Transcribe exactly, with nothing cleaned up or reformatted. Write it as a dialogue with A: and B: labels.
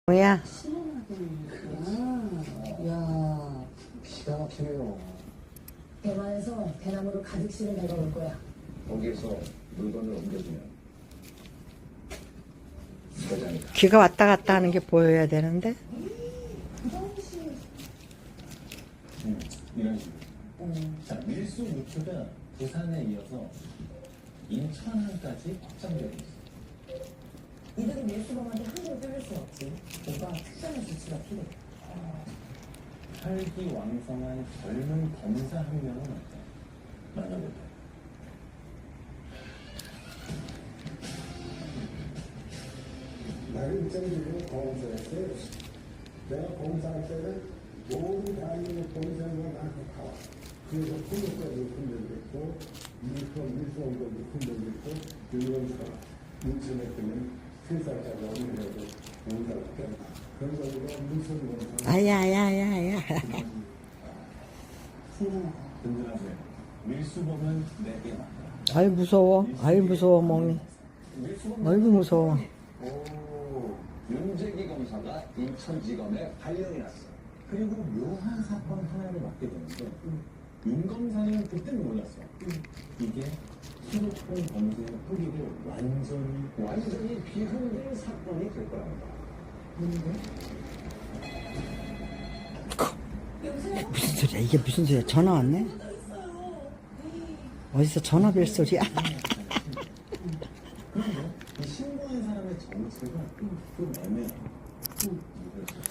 A: 뭐야?
B: 야,
C: 기가 막히네요.
B: 대만에서 대나무로 가득실을 내려올 거야.
C: 거기에서 물건을 옮겨주면 거장이
A: 귀가 왔다 갔다 하는 게 보여야 되는데.
D: 음, 이런 식으로.
B: 음.
D: 자, 밀수 루트가 부산에 이어서 인천항까지 확장되고 있어.
B: 이들이 밀수범한테 함부로 뚫릴 수 없지. 뭔가 특별한 조치가 필요해.
D: 혈기왕성한 젊은 검사 한 명은 어때? 만나볼까?
E: 나를 입장적으로 검사했어요. 내가 검사할 때는 모든 다니는 검사가 나한테 다 와. 그래서 풍력까지 분별됐고, 밀수원, 밀수원도 분별됐고, 윤검사가 인천했더니 세 살짜리 어린애도 공사를 했다. 그래서 우리가 밀수원 검사.
A: 아야야야야.
D: 든든하세요. 밀수범은 내게 맞다.
A: 아이 무서워. 아이 무서워 멍이. 아이고 무서워.
C: 오, 윤재기 검사가 인천지검에 발령이 났어.
D: 그리고 묘한 사건 하나를 맡게 되는데 윤 검사는 그때는 몰랐어. 이게 수도권 범죄의 뿌리를 완전히
C: 완전히 비합리의 사건이 될 거랍니다.
A: 무슨 소리야? 이게 무슨 소리야? 전화 왔네? 어디서 전화 벨 소리야?
D: 그런데 이 신고한 사람의 정체가 좀 애매해.